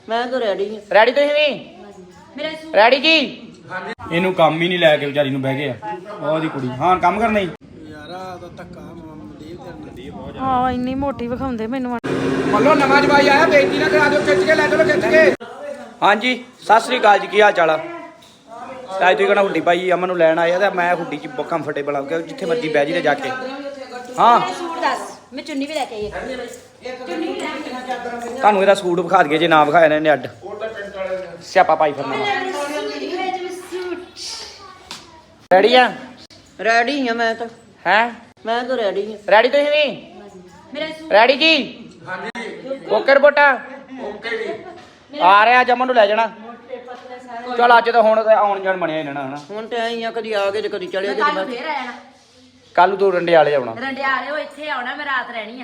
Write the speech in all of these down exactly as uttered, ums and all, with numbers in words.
ਮੈਂ ਤਾਂ ਰੈਡੀ ਹਾਂ। ਰੈਡੀ ਤੁਸੀਂ ਵੀ ਰੈਡੀ ਜੀ? ਇਹਨੂੰ ਕੰਮ ਹੀ ਨਹੀਂ ਲੈ ਕੇ ਵਿਚਾਰੀ ਨੂੰ ਬਹਿ ਗਏ ਆ ਉਹਦੀ ਕੁੜੀ। ਹਾਂ ਕੰਮ ਕਰਨਾ ਹੀ ਯਾਰ ਆ ਤਾਂ ਧੱਕਾ ਮਨਦੀਪ ਤੇ ਬਹੁਤ ਹਾਂ ਇੰਨੀ ਮੋਟੀ ਵਿਖਾਉਂਦੇ ਮੈਨੂੰ। ਮੰਨੋ ਨਵਾਂ ਜਵਾਈ ਆਇਆ, ਬੇਇੱਜ਼ਤੀ ਨਾ ਕਰਾ ਦਿਓ, ਖਿੱਚ ਕੇ ਲੈ ਚਲੋ ਖਿੱਚ ਕੇ। ਹਾਂਜੀ ਸਤਿ ਸ੍ਰੀ ਅਕਾਲ ਜੀ, ਕੀ ਹਾਲ ਚਾਲ ਆ? ਅੱਜ ਤੁਸੀਂ ਕਹਿੰਦਾ ਹੁੱਡੀ ਭਾਈ ਅਮਨ ਨੂੰ ਲੈਣ ਆਏ ਆ ਤੇ ਮੈਂ ਹੁੱਡੀ 'ਚ ਬਹੁਤ ਕੰਫਰਟੇਬਲ ਆ ਗਿਆ, ਜਿੱਥੇ ਮਰਜੀ ਬਹਿ ਜੀ ਤੇ ਜਾ ਕੇ। ਹਾਂ ਸੂਟ ਦੱਸ, ਮੈਂ ਚੁੰਨੀ ਵੀ ਲੈ ਕੇ ਆਈ। ਤੁਹਾਨੂੰ ਇਹਦਾ ਸੂਟ ਵਿਖਾ ਦਈਏ, ਜੇ ਨਾ ਵਿਖਾਇਆ ਨਾ ਇਹਨੇ ਅੱਡ ਸਿਆਪਾ ਪਾਈ ਫਿਰਨਾ। ਰੈਡੀ ਆ? ਰੈਡੀ ਹਾਂ ਮੈਂ ਤਾਂ। ਹੈ ਮੈਂ ਤਾਂ ਰੈਡੀ ਹਾਂ। ਰੈਡੀ ਤੁਸੀਂ ਵੀ ਰੈਡੀ ਜੀ? ਹਾਂਜੀ ਓਕੇ ਰਿਪੋਰਟਾ ਓਕੇ ਜੀ। ਆ ਰਿਹਾ ਜਮਨ ਨੂੰ ਲੈ ਜਾਣਾ। ਚਲ ਅੱਜ ਤਾਂ ਹੁਣ ਆਉਣ ਜਾਣ ਬਣਿਆ ਇਹਨਾਂ ਹਨਾ। ਹੁਣ ਤੇ ਆਈ ਆ, ਕਦੀ ਆ ਗਏ ਤੇ ਕਦੀ ਚਲੇ ਗਏ। ਕੱਲ ਫੇਰ ਆ ਜਾਣਾ। ਕੱਲ ਨੂੰ ਤੂੰ ਰੰਡਿਆਲੇ ਆਉਣਾ। ਰੰਡਿਆਲੇ ਉਹ ਇੱਥੇ ਆਉਣਾ, ਮੈਂ ਰਾਤ ਰਹਿਣੀ ਆ।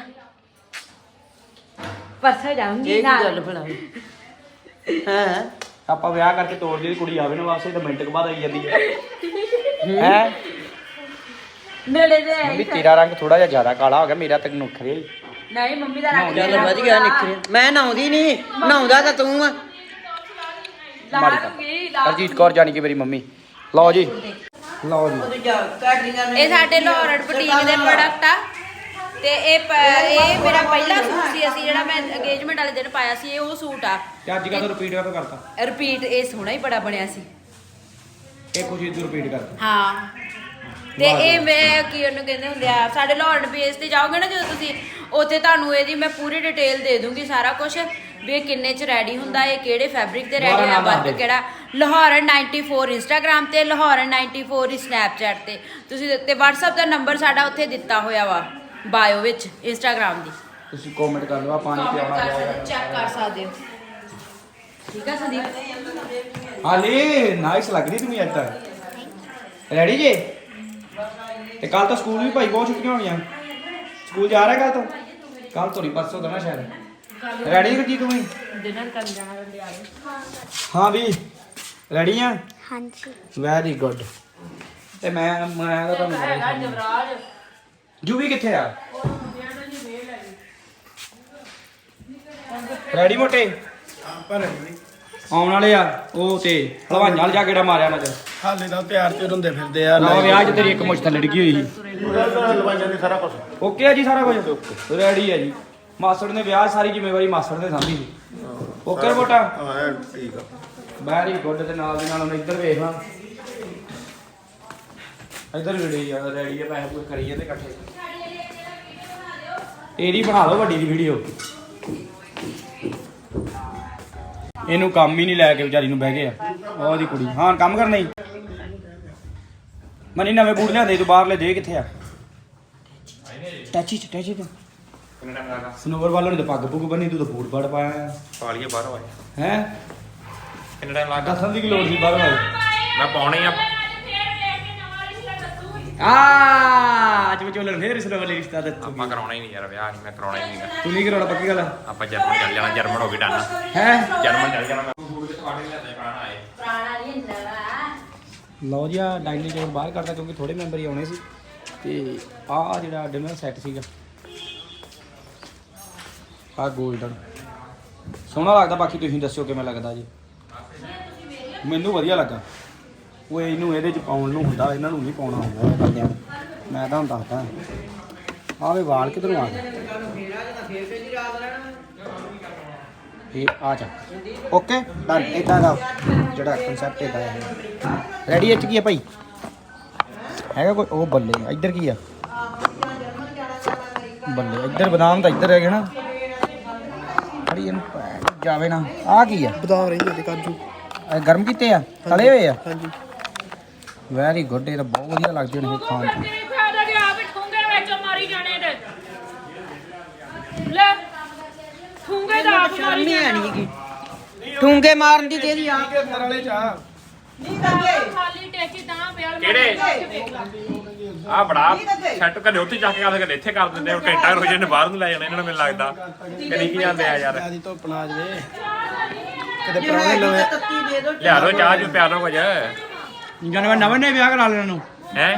ਪਰਸੋਂ ਜਾਊਂਗੀ ਇਹ ਕੀ ਨਾਲ। ਗੱਲ ਭਲਾ ਹੈ? ਆਪਾਂ ਵਿਆਹ ਕਰਕੇ ਤੋੜ ਦੀ ਕੁੜੀ ਆਵੇ ਨਾ ਵਾਸਤੇ ਤਾਂ ਮਿੰਟ ਕੁ ਬਾਅਦ ਆਈ ਜਾਂਦੀ ਹੈ। ਹੈ ਨੇੜੇ ਦੇ ਮੰਮੀ ਤੇਰਾ ਰੰਗ ਥੋੜਾ ਜਿਹਾ ਜ਼ਿਆਦਾ ਕਾਲਾ ਹੋ ਗਿਆ, ਮੇਰਾ ਤਾਂ ਨੁਖਰੇ। ਨਹੀਂ ਮੰਮੀ ਦਾ ਰੰਗ ਚੱਲ ਵਧੀਆ ਨਿਕਲਿਆ। ਮੈਂ ਨਹਾਉਂਦੀ ਨਹੀਂ, ਨਹਾਉਂਦਾ ਤਾਂ ਤੂੰ ਆ। ਹਰਜੀਤ ਕੌਰ ਜਾਣੀ ਕਿ ਮੇਰੀ ਮੰਮੀ। ਲਓ ਜੀ ਲਓ ਜੀ, ਇਹ ਸਾਡੇ ਲਾਹੌਰ ਬੁਟੀਕ ਦੇ ਪ੍ਰੋਡਕਟ ਆ ਤੇ ਇਹ ਪ- ਇਹ ਮੇਰਾ ਪਹਿਲਾ ਸੂਟ ਸੀ, ਅਸੀਂ ਜਿਹੜਾ ਮੈਂ ਅੰਗੇਜਮੈਂਟ ਵਾਲੇ ਦਿਨ ਪਾਇਆ ਸੀ, ਇਹ ਉਹ ਸੂਟ ਆ। ਤੇ ਅੱਜ ਕੱਲ੍ਹ ਰਿਪੀਟ ਕਦੋਂ ਕਰਤਾ? ਰਿਪੀਟ ਇਹ ਸੋਹਣਾ ਹੀ ਬੜਾ ਬਣਿਆ ਸੀ। ਇਹ ਕੁਝ ਇਦੋਂ ਰਿਪੀਟ ਕਰਤਾ। ਹਾਂ ਤੇ ਇਹ ਮੈਂ ਕੀ ਉਹਨੂੰ ਕਹਿੰਦੇ ਹੁੰਦੇ ਆ, ਸਾਡੇ ਲਾਹੌਰ ਬੇਸ ਤੇ ਜਾਓਗੇ ਨਾ ਜਦੋਂ ਤੁਸੀਂ, ਉੱਥੇ ਤੁਹਾਨੂੰ ਇਹਦੀ ਮੈਂ ਪੂਰੀ ਡਿਟੇਲ ਦੇ ਦੂੰਗੀ, ਸਾਰਾ ਕੁਝ ਵੀ ਇਹ ਕਿੰਨੇ ਚ ਰੈਡੀ ਹੁੰਦਾ, ਇਹ ਕਿਹੜੇ ਫੈਬਰਿਕ ਤੇ ਰੈਡੀ ਹੋਇਆ, ਵਰਕ ਕਿਹੜਾ। ਲਾਹੌਰਨ ਨਾਈਨਟੀ ਫੋਰ ਇੰਸਟਾਗ੍ਰਾਮ ਤੇ, ਲਾਹੌਰਨ ਨਾਈਨਟੀ ਫੋਰ ਸਨੈਪਚੈਟ ਤੇ ਤੁਸੀਂ, ਤੇ WhatsApp ਦਾ ਨੰਬਰ ਸਾਡਾ ਉੱਥੇ ਦਿੱਤਾ ਹੋਇਆ ਵਾ ਬਾਇਓ ਵਿੱਚ ਇੰਸਟਾਗ੍ਰਾਮ ਦੀ। ਤੁਸੀਂ ਕਮੈਂਟ ਕਰ ਲਓ, ਆ ਪਾਣੀ ਪਿਆਉਣਾ ਜਾਏਗਾ। ਚੈੱਕ ਕਰ ਸਕਦੇ ਹੋ। ਠੀਕ ਆ ਸੰਦੀਪ? ਹਾਲੇ ਨਾਈਸ ਲੱਗ ਰਹੀ ਤੁਸੀਂ ਅੱਜ ਤੱਕ। ਰੈਡੀ ਜੇ? ਤੇ ਕੱਲ ਤਾਂ ਸਕੂਲ ਵੀ ਭਾਈ ਬਹੁਤ ਛੁੱਟੀਆਂ ਹੋਣੀਆਂ। ਸਕੂਲ ਜਾ ਰਿਹਾ ਕੱਲ ਤੋਂ? ਕੱਲ ਤੋਂ ਨਹੀਂ, ਪਰਸੋਂ ਤੋਂ ਨਾ ਸ਼ਾਇਦ। ਰੈਡੀ ਜੀ ਤੂੰ? ਡਿਨਰ ਕਰਨ ਜਾਣਾ ਰੰਡਿਆਲੇ। ਹਾਂ ਵੀ ਰੈਡੀ ਆ? ਹਾਂਜੀ ਵੈਰੀ ਗੁੱਡ। ਤੇ ਮੈਂ ਮੈਂ ਤਾਂ ਤੁਹਾਨੂੰ ਹੈਗਾ ਜਵਰਾਜ। ਜੂਵੀ ਕਿੱਥੇ ਆ? ਰੈਡੀ ਮੋਟੇ? ਪਰ ਆਉਣ ਵਾਲੇ ਆ ਉਹ ਤੇ ਹਲਵਾਈਆਂ ਨਾਲ ਜਾ ਕੇ ਮਾਰਿਆ ਨਾ। ਹਾਲੇ ਤਾਂ ਤਿਆਰ ਤੇ ਹੁੰਦੇ ਫਿਰਦੇ ਆ। ਨਾ ਵਿਆਹ 'ਚ ਤੇਰੀ ਇੱਕ ਮੁੱਛ ਥੱਲੇ ਡਿੱਗੀ ਹੋਈ ਸੀ। ਹਲਵਾਈਆਂ ਦੀ ਸਾਰਾ ਕੁਝ ਓਕੇ ਆ ਜੀ, ਸਾਰਾ ਕੁਝ ਰੈਡੀ ਹੈ ਜੀ। ਮਾਸੜ ਨੇ ਵਿਆਹ ਸਾਰੀ ਜ਼ਿੰਮੇਵਾਰੀ ਮਾਸੜ ਨੇ ਸਾਂਭੀ ਸੀ। ਓਕੇ ਰਿਪੋਰਟਾ? ਹਾਂ ਠੀਕ ਆ। Very good. ਤੇ ਨਾਲ ਦੀ ਨਾਲ ਹੁਣ ਇੱਧਰ ਵੇਖ ਲਾਂ, ਇੱਧਰ ਰੈਡੀ ਆ, ਰੈਡੀ ਆ, ਪੈਸੇ ਪੂਸੇ ਕਰੀ ਜਾਂਦੇ ਇਕੱਠੇ। ਤੇਰੀ ਬਣਾ ਲਓ ਵੱਡੀ ਦੀ ਵੀਡੀਓ। ਇਹਨੂੰ ਕੰਮ ਹੀ ਨਹੀਂ ਲੈ ਕੇ ਵਿਚਾਰੀ ਨੂੰ ਬਹਿ ਗਏ ਆ ਉਹਦੀ ਕੁੜੀ। ਹਾਂ ਕੰਮ ਕਰਨਾ ਹੀ। ਮਨੀ ਨਵੇਂ ਬੂਟ ਲਿਆਂਦੇ ਤੂੰ ਬਾਹਰਲੇ ਦੇ, ਕਿੱਥੇ ਆ? ਟੈਚੀ ਚ ਟੈਚੀ ਤੇ ਸਨੋਵਰ ਵਾਲੋਂ ਨੇ ਤਾਂ ਪੱਗ ਪੁੱਗ ਬੰਨੀ, ਤੂੰ ਤਾਂ ਬੂਟ ਬੜ ਪਾਇਆ ਪਾਲੀਏ ਬਾਹਰੋਂ ਆਏ। ਹੈ। ਕਿੰਨਾ ਟਾਈਮ ਲੱਗਦਾ? ਦੱਸਣ ਦੀ ਕੀ ਲੋੜ ਸੀ ਬਾਹਰੋਂ ਆਏ? ਮੈਂ ਪਾਉਣੇ ਆ। ਆ ਅੱਜ ਵਿਚੋਲਣ ਫੇਰ ਸਨੋਵਰ ਲਈ ਰਿਸ਼ਤਾ ਦੱਸੂ। ਆਪਾਂ ਕਰਾਉਣਾ ਹੀ ਨਹੀਂ ਯਾਰ, ਵਿਆਹ ਨਹੀਂ ਮੈਂ ਕਰਾਉਣਾ ਹੀ ਨਹੀਂਗਾ। ਤੂੰ ਨਹੀਂ ਕਰਾਉਣਾ ਪੱਕੀ ਗੱਲ? ਆਪਾਂ ਜਰਮਨ ਚੱਲ ਜਾਣਾ, ਜਰਮਨ ਹੋ ਗਈ ਡਨ। ਹੈ ਜਰਮਨ ਚੱਲ ਜਾਣਾ। ਬੂਟ ਕਿੱਥੋਂ ਆੜੇ ਲਿਆਦੇ ਪੁਰਾਣਾ ਆਏ। ਪੁਰਾਣਾ ਨਹੀਂ ਹੁੰਦਾ ਵਾ। ਲਓ ਜੀ, ਆ ਡਾਈਨਿੰਗ ਟੇਬਲ ਬਾਹਰ ਕਰਦਾ ਕਿਉਂਕਿ ਥੋੜੇ ਮੈਂਬਰ ਹੀ ਆਉਣੇ ਸੀ। ਤੇ ਆਹ ਜਿਹੜਾ ਡਿਨਰ ਸੈੱਟ ਸੀਗਾ, ਆਹ ਗੋਲਡਨ ਸੋਹਣਾ ਲੱਗਦਾ। ਬਾਕੀ ਤੁਸੀਂ ਦੱਸਿਓ ਕਿਵੇਂ ਲੱਗਦਾ ਜੀ। ਮੈਨੂੰ ਵਧੀਆ ਲੱਗਾ। ਉਹ ਇਹਨੂੰ ਇਹਦੇ ਚ ਪਾਉਣ ਨੂੰ ਹੁੰਦਾ, ਇਹਨਾਂ ਨੂੰ ਨਹੀਂ ਪਾਉਣਾ ਹੁੰਦਾ ਇਹ ਕਰਦਿਆਂ ਨੂੰ। ਮੈਂ ਤੁਹਾਨੂੰ ਦੱਸਦਾ। ਆਵੇ ਵਾਲ ਕਿਧਰੋਂ ਆ ਗਏ? ਇਹ ਆ ਜਾ। Okay done. ਇਦਾਂ ਦਾ ਜਿਹੜਾ ਕਨਸੈਪਟ ਇਹਦਾ ਹੈ। ਰੈਡੀ ਇੱਥੇ ਕੀ ਹੈ ਭਾਈ? ਹੈਗਾ ਕੋਈ? ਉਹ ਬੱਲੇ ਇੱਧਰ ਕੀ ਆ? ਬੱਲੇ ਇੱਧਰ ਬਦਾਮ ਤਾਂ ਇੱਧਰ ਹੈਗੇ ਨਾ। ਅੜੀ ਇਹਨੂੰ ਜਾਵੇ ਨਾ। ਆ ਕੀ ਆ? ਬਦਾਮ ਰਹਿੰਦੇ ਤੇ ਕਾਜੂ। ਇਹ ਗਰਮ ਕੀਤੇ ਆ, ਤਲੇ ਹੋਏ ਆ? ਹਾਂਜੀ ਵੈਰੀ ਗੁੱਡ। ਇਹ ਤਾਂ ਬਹੁਤ ਵਧੀਆ ਲੱਗਦੇ ਨੇ ਖਾਣ ਚ। ਸ਼ਰਮ ਹੀ ਨਹੀਂ ਹੈਗੀ ਠੂੰਗੇ ਮਾਰਨ ਦੀ ਤੇਰੀ ਆ। ਅੰਦਰ ਵਾਲੇ ਚਾਹ ਕਿਹੜੇ ਆ ਬੜਾ ਸੈੱਟ ਕਦੇ ਉੱਥੇ ਜਾ ਕੇ ਕਰਦੇ, ਕਦੇ ਇੱਥੇ ਕਰ ਦਿੰਦੇ। ਉਹ ਘੰਟਾ ਰੋਜ਼ ਨੇ ਬਾਹਰ ਨੂੰ ਲੈ ਜਾਣਾ ਇਹਨਾਂ ਨੂੰ, ਮੈਨੂੰ ਲੱਗਦਾ ਕਦੀ ਕੀ ਜਾਂਦੇ ਆ ਯਾਰ। ਆਦੀ ਧੁੱਪ ਨਾ ਜਵੇ ਕਿਤੇ ਪ੍ਰਾਣੇ ਲਵੇ। ਤੱਤੀ ਦੇ ਦੋ। ਲਿਆ ਦੋ ਚਾਹ ਜੂ ਪਿਆ ਦੋ ਕੁਝ। ਜਾਨਵਰ ਨਵੇਂ ਨੇ ਵਿਆਹ ਕਰਾ ਲੈਣਾ ਨੂੰ ਹੈ।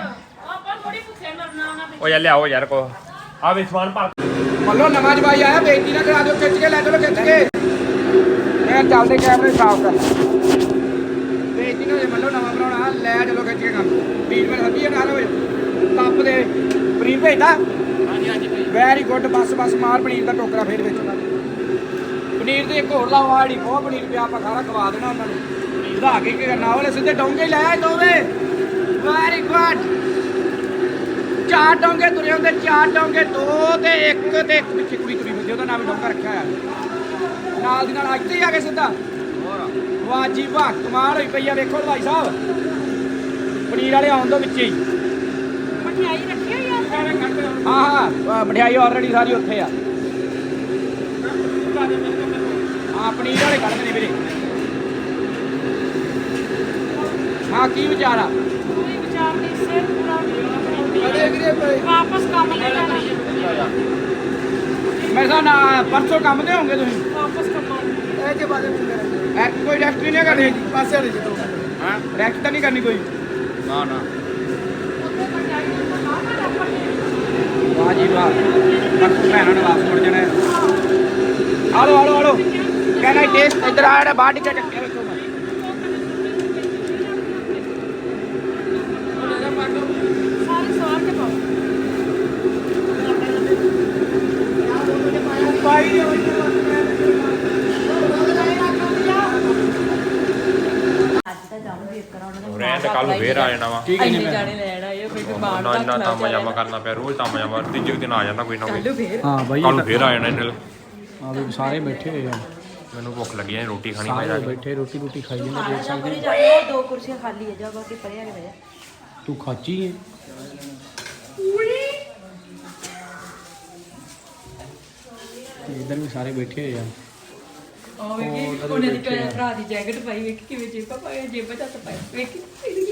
ਉਹ ਯਾਰ ਲਿਆਓ ਯਾਰ ਕੋ ਆ ਵੀ ਸਮਾਨ ਪਾ। ਮੰਨੋ ਨਵਾਂ ਜਵਾਈ ਆਇਆ, ਬੇਇੱਜ਼ਤੀ ਨਾ ਕਰਾ ਦਿਓ, ਖਿੱਚ ਕੇ ਲੈ ਚਲੋ ਖਿੱਚ ਕੇ। ਇਹ ਚੱਲਦੇ ਕੈਮਰੇ ਸਾਫ਼ ਕਰ ਤੇ ਜਿਹਨੂੰ ਜੇ ਮੰਨ ਲਓ ਨਵਾਂ ਬਣਾਉਣਾ ਲੈ ਚਲੋ ਖਿੱਚ ਕੇ ਕੰਮ ਟ੍ਰੀਟਮੈਂਟ ਹੱਦੀ ਹੈ ਨਾਲ ਹੋਏ ਕੱਪ ਦੇ ਪਨੀਰ ਭੇਜਦਾ ਹਾਂਜੀ ਹਾਂਜੀ ਵੈਰੀ ਗੁੱਡ ਬਸ ਬਸ ਮਾਰ ਪਨੀਰ ਦਾ ਟੋਕਰਾ ਫੇਰ ਵਿੱਚ ਪਨੀਰ ਦੇ ਇੱਕ ਹੋਰ ਲਾਓ ਆੜੀ ਬਹੁਤ ਪਨੀਰ ਪਿਆ ਆਪਾਂ ਖਾਣਾ ਖਵਾ ਦੇਣਾ ਉਹਨਾਂ ਨੂੰ ਵਧਾ ਕੇ ਕੀ ਕਰਨਾ ਉਹਨੇ ਸਿੱਧੇ ਡੋਂਗੇ ਲੈ ਆਏ ਦੋਵੇਂ ਵੈਰੀ ਗੁੱਡ ਚਾਰ ਡੋਂਗੇ ਤੁਰੇ ਹੁੰਦੇ ਚਾਰ ਡੋਂਗੇ ਦੋ ਤੇ ਇੱਕ ਤੇ ਇੱਕ ਪਿੱਛੇ ਕੁੜੀ ਤੁਰੀ ਫਿਰਦੀ ਉਹਦਾ ਨਾਮ ਡੋਂਗਾ ਰੱਖਿਆ ਹੋਇਆ ਨਾਲ ਦੀ ਨਾਲ ਅੱਜ ਤੇ ਆ ਕੇ ਸਿੱਧਾ ਵਾਹ ਜੀ ਵਾਹ ਕਮਾਲ ਹੋਈ ਪਈ ਆ ਵੇਖੋ ਭਾਈ ਸਾਹਿਬ ਪਨੀਰ ਵਾਲੇ ਆਉਣ ਤੋਂ ਵਿੱਚੇ ਹੀ ਮਠਿਆਈ ਰੱਖੀ ਹੋਈ ਆ ਹਾਂ ਹਾਂ ਮਠਿਆਈ ਆਲਰੇਡੀ ਸਾਰੀ ਉੱਥੇ ਆ ਹਾਂ ਪਨੀਰ ਵਾਲੇ ਕੱਢਦੇ ਨੇ ਵੀਰੇ ਹਾਂ ਕੀ ਵਿਚਾਰ ਆ ਕੋਈ ਵਿਚਾਰ ਨਹੀਂ ਸਿਰ ਪੂਰਾ ਵਾਪਸ ਕੰਮ ਤੇ ਜਾਣਾ ਮੈਂ ਤਾਂ ਨਾ ਪਰਸੋਂ ਕੰਮ ਤੇ ਹੋਵੋਗੇ ਤੁਸੀਂ ਵਾਪਸ ਕੰਮ ਇਹ ਕੇ ਬਾਰੇ ਐ ਕੋਈ ਰੈਸਟ ਨਹੀਂ ਕਰਨੀ ਪਾਸੇ ਵਾਲੇ ਜੀ ਤੋਂ ਹਾਂ ਰੈਸਟ ਤਾਂ ਨਹੀਂ ਕਰਨੀ ਕੋਈ ਨਾ ਨਾ ਵਾਹ ਜੀ ਵਾਹ ਪਰਸੋਂ ਭੈਣਾਂ ਨੇ ਵਾਪਸ ਮੁੜ ਜਾਣਾ ਆਲੋ ਆਲੋ ਆਲੋ ਕਹਿੰਦਾ ਟੇਸਟ ਇੱਧਰ ਆ ਜਿਹੜਾ ਬਾਹਰ ਟਿੱਕਾ ਚੱਕਿਆ ਵੇਖੋ ਮੈਂ ਸਾਰੇ ਸਵਾਰ ਕੇ ਪਾਓ ਪਾਈ ਅੱਜ ਤਾਂ ਜਾਵਾਂਗੇ ਇੱਕ ਉਹਨਾਂ ਦਾ ਰਹਿਣ ਤੇ ਕੱਲ ਨੂੰ ਫੇਰ ਆ ਜਾਣਾ ਵਾ ਠੀਕ ਇੰਨੇ ਜਾਣੇ ਲੈਣ ਆਏ ਕੋਈ ਬਿਮਾਰ ਨਾ ਇੰਨਾ ਤਾਂ ਮਜਾਮਾ ਕਰਨਾ ਪਿਆ ਰੋਜ਼ ਤਾਂ ਮਜਾਮਾ ਤੀਜੇ ਦਿਨ ਆ ਜਾਂਦਾ ਕੋਈ ਨਾ ਕੋਈ ਫੇਰ ਹਾਂ ਬਾਈ ਕੱਲ ਨੂੰ ਫੇਰ ਆ ਜਾਣਾ ਇਹਨਾਂ ਆ ਵੀ ਸਾਰੇ ਬੈਠੇ ਹੋਏ ਆ ਮੈਨੂੰ ਭੁੱਖ ਲੱਗੀ ਹੈ ਰੋਟੀ ਖਾਣੀ ਮੈਂ ਜਾ ਸਾਰੇ ਕੇ ਬੈਠੇ ਰੋਟੀ ਰੋਟੀ ਖਾਈ ਜਾਂਦੇ ਦੇਖ ਸਕਦੇ ਪਰੇ ਜਾਓ ਦੋ ਕੁਰਸੀਆਂ ਖਾਲੀ ਹੈ ਜਾ ਬਾਕੀ ਪਰੇ ਆ ਕੇ ਬਹਿ ਜਾ ਤੂੰ ਖਾਚੀ ਹੈ ਇਧਰ ਵੀ ਸਾਰੇ ਬੈਠੇ ਹੋਏ ਆ ਉਹ ਵੇਖੀ ਉਹਨੇ ਦੀ ਭਰਾ ਦੀ ਜੈਕਟ ਪਾਈ ਵੇਖੀ ਕਿਵੇਂ ਜੇਬਾਂ ਪਾਈ ਜੇਬਾਂ ਚ ਹੱਥ ਪਾਈ ਵੇਖੀ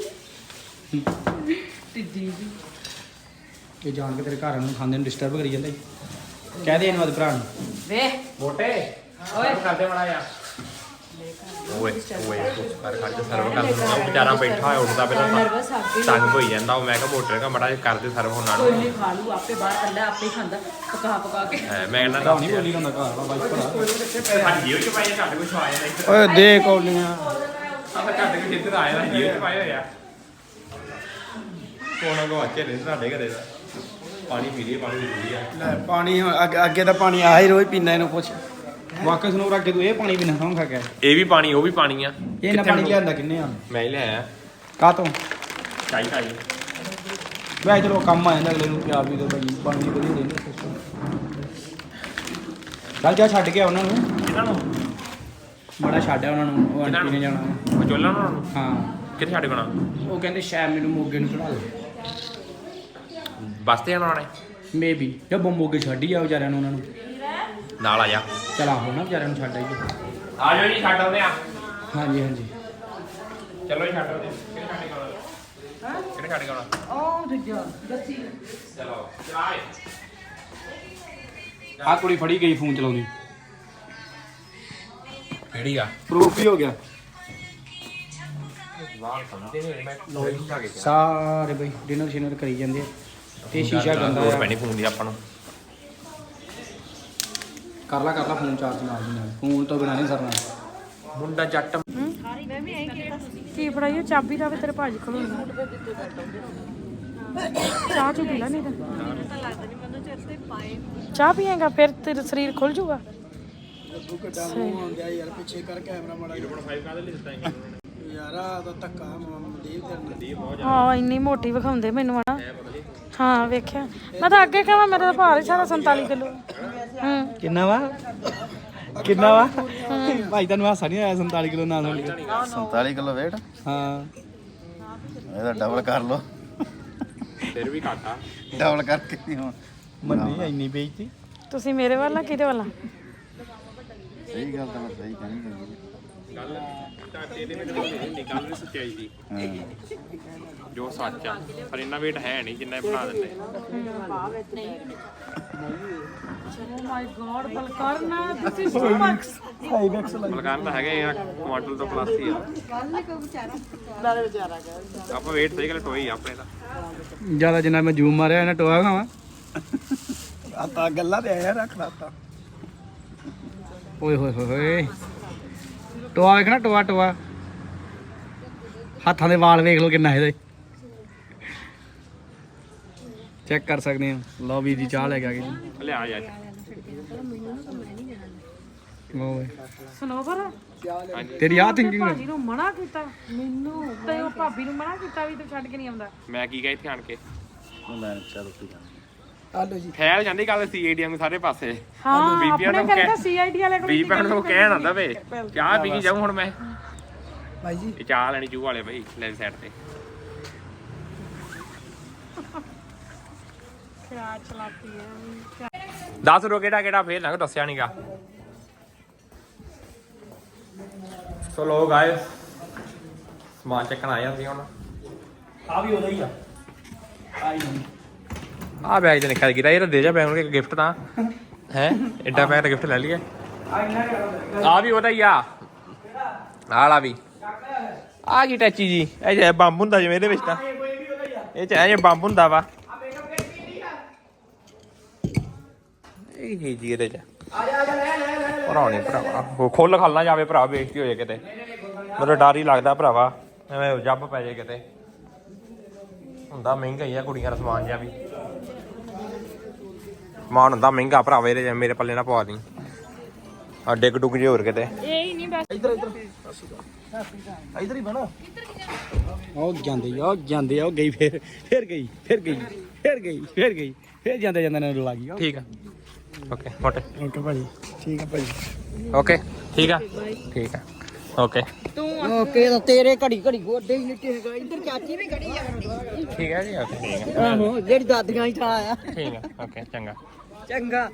ਟਿੱਡੀ ਜੀ ਇਹ ਜਾਣ ਕੇ ਤੇਰੇ ਘਰ ਨੂੰ ਖਾਂਦੇ ਨੂੰ ਡਿਸਟਰਬ ਕਰੀ ਜਾਂਦਾ ਕਹਿ ਦੇ ਇਹਨੂੰ ਆਦ ਭਰਾ ਨੂੰ ਵੇ ਮੋਟੇ ਓਏ ਕਰਦੇ ਬੜਾ ਆ ਓਏ ਓਏ ਕੁਛ ਕਰ ਕਰ ਕੇ ਸਰਵ ਕਰ ਦਿੰਦਾ ਉਹ ਵਿਚਾਰਾ ਬੈਠਾ ਹੋਇਆ ਉੱਠਦਾ ਪਹਿਲਾਂ ਨਰਵਸ ਆ ਕੇ ਤੰਗ ਹੋਈ ਜਾਂਦਾ ਉਹ ਮੈਂ ਕਿਹਾ ਮੋਟਰ ਕਾ ਮੜਾ ਕਰਦੇ ਸਰਵ ਹੋਣਾ ਕੋਈ ਨਹੀਂ ਖਾ ਲੂ ਆਪੇ ਬਾਹਰ ਕੱਢਾ ਆਪੇ ਹੀ ਖਾਂਦਾ ਪਕਾ ਪਕਾ ਕੇ ਮੈਂ ਕਹਿੰਦਾ ਭਰਾ ਨਹੀਂ ਬੋਲੀ ਜਾਂਦਾ ਘਰ ਵਾਲਾ ਬਾਈ ਭਰਾ ਸਾਡੀ ਜੀਵ ਚ ਪਾਏ ਘੱਟ ਕੁਛ ਆ ਜਾਂਦਾ ਇੱਧਰ ਓਏ ਦੇ ਕੌਲੀਆਂ ਆਪਾਂ ਘੱਟ ਕੁਛ ਇੱਧਰ ਆਇਆ ਜੀਵ ਚ ਪਾਏ ਹੋਇਆ ਕੋਣਾ ਗਵਾਚੇ ਨੇ ਸਾਡੇ ਘਰੇ ਦਾ ਪਾਣੀ ਪੀ ਲਈ ਪਾਣੀ ਪੀ ਲਿਆ ਲੈ ਪਾਣੀ ਹੁਣ ਅੱਗੇ ਅੱਗੇ ਤਾਂ ਪਾਣੀ ਆ ਹੀ ਰੋਜ਼ ਪੀਂਦਾ ਇਹਨੂੰ ਪੁੱਛ ਵਾਕਸ ਨੂੰ ਅੱਗੇ ਤੂੰ ਇਹ ਪਾਣੀ ਪੀਣਾ ਸੌਂ ਖਾ ਕੇ ਇਹ ਵੀ ਪਾਣੀ ਉਹ ਵੀ ਪਾਣੀ ਆ ਇਹ ਨਾ ਪਾਣੀ ਲਿਆਂਦਾ ਕਿੰਨੇ ਆ ਮੈਂ ਹੀ ਲਿਆਇਆ ਕਾਹ ਤੋਂ ਚਾਈ ਚਾਈ ਵੈਸੇ ਚਲੋ ਕੰਮ ਆ ਜਾਂਦਾ ਅਗਲੇ ਨੂੰ ਪਿਆਰ ਵੀ ਦੋ ਭਾਈ ਪਾਣੀ ਵਧੀਆ ਰਹਿੰਦਾ ਸਿਸਟਮ ਚੱਲ ਜਾ ਛੱਡ ਕੇ ਆ ਉਹਨਾਂ ਨੂੰ ਇਹਨਾਂ ਨੂੰ ਬੜਾ ਛੱਡਿਆ ਉਹਨਾਂ ਨੂੰ ਉਹ ਕਿਹਨਾਂ ਆਂਟੀ ਨੇ ਨੂੰ? ਜਾਣਾ ਉਹ ਚੋਲਾ ਉਹਨਾਂ ਨੂੰ ਹਾਂ ਕਿੱਥੇ ਛੱਡ ਗਣਾ ਉਹ ਕਹਿੰਦੇ ਸ਼ਾਇਦ ਮੈਨੂੰ ਮੋਗੇ ਨੂੰ ਚੜਾ ਦੇ ਬੱਸ ਤੇ ਜਾਣਾ ਉਹਨੇ ਮੇਬੀ ਜਾਂ ਮੋਗੇ ਛੱਡ ਹੀ ਆ ਵਿਚਾਰਿਆਂ ਨੂੰ ਉਹਨਾਂ ਨੂੰ ਨਾਲ ਆ ਜਾ ਚਲ ਆਹੋ ਨਾ ਵਿਚਾਰਿਆਂ ਨੂੰ ਛੱਡ ਆਈਏ ਆ ਜਾਓ ਜੀ ਛੱਡ ਆਉਂਦੇ ਆ ਹਾਂਜੀ ਹਾਂਜੀ ਚਲੋ ਜੀ ਛੱਡ ਆਉਂਦੇ ਕਿਹੜੇ ਛੱਡ ਕੇ ਆਉਣਾ ਹਾਂ ਕਿਹੜੇ ਛੱਡ ਕੇ ਆਉਣਾ ਉਹ ਦੂਜਾ ਦੱਸੀ ਚਲੋ ਚਲਾਏ ਆ ਕੁੜੀ ਫੜੀ ਗਈ ਫੋਨ ਚਲਾਉਂਦੀ ਕਿਹੜੀ ਆ ਪ੍ਰੂਫ ਹੀ ਹੋ ਗਿਆ ਵਾਲ ਸਮਝਦੇ ਨਹੀਂ ਮੈਂ ਲੋਈ ਜਾ ਕੇ ਸਾਰੇ ਬਈ ਡਿਨਰ ਸ਼ਿਨਰ ਕਰੀ ਜਾਂਦੇ ਆ ਤੇ ਸ਼ੀਸ਼ਾ ਗੰਦਾ ਲੋੜ ਆ ਪੈਣੀ ਫੋਨ ਦੀ ਆਪਾਂ ਨੂੰ ਕਰ ਲਾ ਕਰ ਲਾ ਫੋਨ ਚਾਰਜ ਨਾਲ ਦੀ ਨਾਲ ਫੋਨ ਤੋਂ ਬਿਨਾਂ ਨਹੀਂ ਸਰਨਾ ਮੁੰਡਾ ਜੱਟ ਕੀ ਫੜਾਈਓ ਚਾਬੀ ਦਾ ਵੀ ਤੇਰੇ ਭਾਜੀ ਕੋਲ ਹੋਣਾ ਚਾਹ ਚੁ ਪੀ ਲੈ ਨਹੀਂ ਤਾਂ ਚਾਹ ਪੀਏਗਾ ਫਿਰ ਤੇਰਾ ਸਰੀਰ ਖੁੱਲ ਜਾਊਗਾ ਯਾਰ ਪਿੱਛੇ ਕਰ ਕੈਮਰਾ ਮਾੜਾ ਯਾਰ ਆ ਤਾਂ ਧੱਕਾ ਮਨਦੀਪ ਤੇਰੇ ਨਾਲ ਹਾਂ ਇੰਨੀ ਮੋਟੀ ਵਿਖਾਉਂਦੇ ਮੈਨੂੰ ਹਨਾ ਹਾਂ ਵੇਖਿਆ ਮੈਂ ਤਾਂ ਅੱਗੇ ਕਹਾਂ ਮੇਰਾ ਤਾਂ ਭਾਰ ਹੀ ਸਾਰਾ ਸੰਤਾਲੀ ਕਿਲੋ ਹੂੰ ਕਿੰਨਾ ਵਾ ਕਿੰਨਾ ਵਾ ਭਾਈ ਤੁਹਾਨੂੰ ਹਾਸਾ ਨਹੀਂ ਆਇਆ ਸੰਤਾਲੀ ਕਿਲੋ ਨਾਲ ਹੋਣ ਸੰਤਾਲੀ ਕਿਲੋ ਵੇਟ ਹਾਂ ਇਹਦਾ ਡਬਲ ਕਰ ਲੋ ਫਿਰ ਵੀ ਘਾਟਾ ਡਬਲ ਕਰਕੇ ਨਹੀਂ ਹੁਣ ਮੰਨੀ ਇੰਨੀ ਬੇਇੱਜ਼ਤੀ ਤੁਸੀਂ ਮੇਰੇ ਵੱਲ ਆ ਕਿਹਦੇ ਵੱਲ ਆ ਸਹੀ ਗੱਲ ਤਾਂ ਮੈਂ ਸਹੀ ਕਹਿਣੀ ਚਾਹੀਦੀ ਗੱਲ ਘਾਟੇ ਦੇ ਵਿੱਚ ਨਹੀਂ ਹੁੰਦੀ ਗੱਲ ਵੀ ਸੱਚਾਈ ਦੀ ਹਾਂ ਜੋ ਸੱਚ ਆ ਪਰ ਇੰਨਾ weight ਹੈ ਨਹੀਂ ਜਿੰਨਾ ਇਹ ਬਣਾ ਦਿੰਦੇ ਓ ਮਾਈ ਗॉड ਬਲਕਾਰ ਨਾ this is too much Balkar ਤਾਂ ਹੈਗੇ ਆ ਕੁਆਂਟਲ ਤੋਂ ਪਲੱਸ ਹੀ ਆ ਆਪਾਂ weight ਸਹੀ ਗੱਲ ਟੋਈ ਆਪਣੇ ਦਾ ਜਿਆਦਾ ਜਿੰਨਾ ਮੈਂ ਜੂਮ ਮਾਰਿਆ ਇਹਨਾਂ ਟੋਆ ਖਾਵਾਂ ਆ ਤਾਂ ਗੱਲਾਂ ਤੇ ਆਇਆ ਰੱਖ ਲਾਤਾ ਓਏ ਹੋਏ ਹੋਏ ਹੋਏ ਟੋਆ ਵੇਖਣਾ ਟੋਆ ਟੋਆ ਹੱਥਾਂ ਦੇ ਵਾਲ ਵੇਖ ਲਓ ਕਿੰਨਾ ਇਹਦੇ ਚੈੱਕ ਕਰ ਸਕਦੇ ਆ ਲਓ ਵੀਰ ਜੀ ਚਾਹ ਲੈ ਕੇ ਆ ਗਏ ਜੀ ਲਿਆ ਯਾਰ ਓਏ ਸਨੋਵਰ ਤੇਰੀ ਆ ਥਿੰਕਿੰਗ ਭਾਜੀ ਨੂੰ ਮਨਾ ਕੀਤਾ ਮੈਨੂੰ ਤੇ ਉਹ ਭਾਬੀ ਨੂੰ ਮਨਾ ਕੀਤਾ ਵੀ ਤੂੰ ਛੱਡ ਕੇ ਨਹੀਂ ਆਉਂਦਾ ਮੈਂ ਕੀ ਕਹਾਂ ਇੱਥੇ ਆਣ ਕੇ ਮੈਂ ਚਲੋ ਠੀਕ ਆ ਆਲੋ ਜੀ ਫੈਲ ਜਾਂਦੀ ਗੱਲ ਸੀਆਈਡੀ ਨੂੰ ਸਾਰੇ ਪਾਸੇ ਹਾਂ ਬੀਬੀਆਂ ਆਪਣੇ ਨੂੰ ਕਹਿੰਦਾ ਕਹਿ ਸੀਆਈਡੀ ਵਾਲੇ ਕੋਲ ਬੀਬੀਆਂ ਨੂੰ ਕਹਿਣ ਆਂਦਾ ਵੇ ਚਾਹ ਪੀ ਕੇ ਜਾਊਂ ਹੁਣ ਮੈਂ ਭਾਈ ਜੀ ਇਹ ਚਾਹ ਲੈਣੀ ਚੂਹ ਵਾਲੇ ਬਈ ਲੈ ਸਾਈਡ ਤੇ ਕਿਆ ਚਲਾਤੀ ਹੈ ਦੱਸ ਰੋ ਕਿਹੜਾ ਕਿਹੜਾ ਫੇਰ ਨਾ ਦੱਸਿਆ ਨਹੀਂਗਾ ਸੋ ਲੋ ਗਾਇਸ ਸਮਾਨ ਚੱਕਣ ਆਏ ਅਸੀਂ ਹੁਣ ਆ ਵੀ ਉਹਦਾ ਹੀ ਆ ਆਈ ਨਹੀਂ ਆ ਬੈਗ ਤੇ ਨਿਕਲ ਗਿਆ ਇਹ ਤਾਂ ਦੇ ਜਾ ਬੈਗ ਨੂੰ ਗਿਫਟ ਤਾਂ ਹੈ ਐਡਾ ਬੈਗ ਦਾ ਗਿਫਟ ਲੈ ਲਈਏ ਆ ਵੀ ਉਹਦਾ ਹੀ ਆ ਆਲਾ ਵੀ ਆ ਕੀ ਟੈਚੀ ਜੀ ਇਹ ਜੇ ਬੰਬ ਹੁੰਦਾ ਜਿਵੇਂ ਇਹਦੇ ਵਿੱਚ ਤਾਂ ਇਹ ਚ ਐ ਜੇ ਬੰਬ ਹੁੰਦਾ ਵਾ ਇਹ ਕੀ ਜੀ ਇਹਦੇ ਚ ਭਰਾ ਨਹੀਂ ਭਰਾਵਾ ਖੁੱਲ ਖਾਲ ਨਾ ਜਾਵੇ ਭਰਾ ਬੇਇੱਜ਼ਤੀ ਹੋ ਜਾਏ ਕਿਤੇ ਮੈਨੂੰ ਡਰ ਹੀ ਲੱਗਦਾ ਭਰਾਵਾ ਐਵੇਂ ਜੱਬ ਪੈ ਜਾਏ ਕਿਤੇ ਹੁੰਦਾ ਮਹਿੰਗਾ ਹੀ ਆ ਕੁੜੀਆਂ ਦਾ ਸਮਾਨ ਜਿਹਾ ਵੀ ਸਮਾਨ ਹੁੰਦਾ ਮਹਿੰਗਾ ਭਰਾਵਾ ਇਹਦੇ ਮੇਰੇ ਪੱਲੇ ਨਾ ਪਵਾ ਦੀ ਆ ਡਿੱਗ ਡੁੱਗ ਜੇ ਹੋਰ ਕਿਤੇ ਇਹ ਹੀ ਨਹੀਂ ਬਸ ਇੱਧਰ ਇੱਧਰ ਇੱਧਰ ਹੀ ਬਣਾ ਉਹ ਜਾਂਦੇ ਆ ਉਹ ਜਾਂਦੇ ਆ ਉਹ ਗਈ ਫੇਰ ਫੇਰ ਗਈ ਫੇਰ ਗਈ ਫੇਰ ਗਈ ਫੇਰ ਗਈ ਫੇਰ ਜਾਂਦੇ ਜਾਂਦੇ ਨੇ ਲੱਗ ਗਈ ਠੀਕ ਆ ਓਕੇ ਮੋਟੇ ਓਕੇ ਭਾਜੀ ਠੀਕ ਆ ਭਾਜੀ ਓਕੇ ਠੀਕ ਆ ਠੀਕ ਆ ਓਕੇ ਓਕੇ ਤਾਂ ਤੇਰੇ ਘੜੀ ਘੜੀ ਗੋਡੇ ਹੀ ਨਿੱਕੇ ਹੈਗਾ ਇੱਧਰ ਚਾਚੀ ਵੀ ਖੜੀ ਆ ਠੀਕ ਆ ਜੀ ਓਕੇ ਠੀਕ ਆ ਆਹੋ ਜਿਹੜੀ ਦਾਦੀਆਂ ਹੀ ਥਾ ਆ ਠੀਕ ਆ ਓਕੇ ਚੰਗਾ ਚੰਗਾ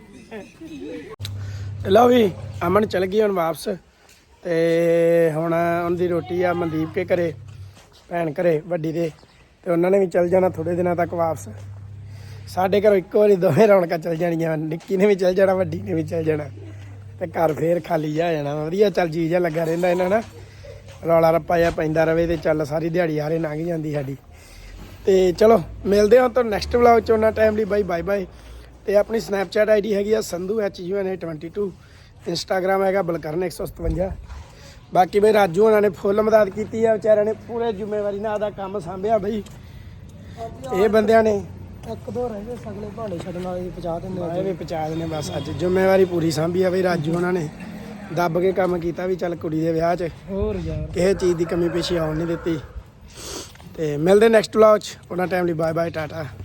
ਲਓ ਵੀ ਅਮਨ ਚਲ ਗਈ ਹੁਣ ਵਾਪਸ ਤੇ ਹੁਣ ਉਹਦੀ ਰੋਟੀ ਆ ਮਨਦੀਪ ਕੇ ਘਰੇ ਭੈਣ ਘਰੇ ਵੱਡੀ ਦੇ ਤੇ ਉਹਨਾਂ ਨੇ ਵੀ ਚਲ ਜਾਣਾ ਥੋੜੇ ਦਿਨਾਂ ਤੱਕ ਵਾਪਸ ਸਾਡੇ ਘਰੋਂ ਇੱਕੋ ਵਾਰੀ ਦੋਵੇਂ ਰੌਣਕਾਂ ਚਲ ਜਾਣੀਆਂ ਨਿੱਕੀ ਨੇ ਵੀ ਚਲ ਜਾਣਾ ਵੱਡੀ ਨੇ ਵੀ ਚਲ ਜਾਣਾ ਤੇ ਘਰ ਫੇਰ ਖਾਲੀ ਜਾ ਜਾਣਾ ਵਧੀਆ ਚੱਲ ਜੀ ਜਿਹਾ ਲੱਗਾ ਰਹਿੰਦਾ ਇਹਨਾਂ ਨਾਲ ਰੌਲਾ ਰੱਪਾ ਜਿਹਾ ਪੈਂਦਾ ਰਵੇ ਤੇ ਚੱਲ ਸਾਰੀ ਦਿਹਾੜੀ ਹਾਰੇ ਲੰਘ ਜਾਂਦੀ ਸਾਡੀ ਤੇ ਚਲੋ ਮਿਲਦੇ ਹਾਂ ਤੁਹਾਨੂੰ ਨੈਕਸਟ ਵਲੌਗ 'ਚ ਉਹਨਾਂ ਟਾਈਮ ਲਈ ਬਾਈ ਬਾਏ ਬਾਏ ਤੇ ਆਪਣੀ ਸਨੈਪਚੈਟ ਆਈਡੀ ਹੈਗੀ ਆ Sandhu H U N A twenty two Instagram ਹੈਗਾ ਬਲਕਰਨ ਇੱਕ ਸੌ ਸਤਵੰਜਾ ਬਾਕੀ ਬਈ ਰਾਜੂ ਉਹਨਾਂ ਨੇ ਫੁੱਲ ਮਦਦ ਕੀਤੀ ਆ ਵਿਚਾਰਿਆਂ ਨੇ ਪੂਰੇ ਜ਼ਿੰਮੇਵਾਰੀ ਨਾਲ ਆਦਾ ਕੰਮ ਸਾਂਭਿਆ ਬਈ ਇਹ ਬੰਦਿਆਂ ਨੇ ਇੱਕ ਦੋ ਰਹਿੰਦੇ ਸਗਲੇ ਭਾਂਡੇ ਛੱਡਣ ਵਾਲੇ ਪਹੁੰਚਾ ਦਿੰਦੇ ਆ ਇਹ ਵੀ ਪਹੁੰਚਾ ਦਿੰਦੇ ਬਸ ਅੱਜ ਜ਼ਿੰਮੇਵਾਰੀ ਪੂਰੀ ਸਾਂਭੀ ਆ ਬਈ ਰਾਜੂ ਉਹਨਾਂ ਨੇ ਦੱਬ ਕੇ ਕੰਮ ਕੀਤਾ ਵੀ ਚੱਲ ਕੁੜੀ ਦੇ ਵਿਆਹ 'ਚ ਹੋਰ ਯਾਰ ਕਿਸੇ ਚੀਜ਼ ਦੀ ਕਮੀ ਪੇਸ਼ੀ ਆਉਣ ਨਹੀਂ ਦਿੱਤੀ ਤੇ ਮਿਲਦੇ ਨੈਕਸਟ ਵਲੌਗ 'ਚ ਉਹਨਾਂ ਟਾਈਮ ਲਈ ਬਾਏ ਬਾਏ ਟਾਟਾ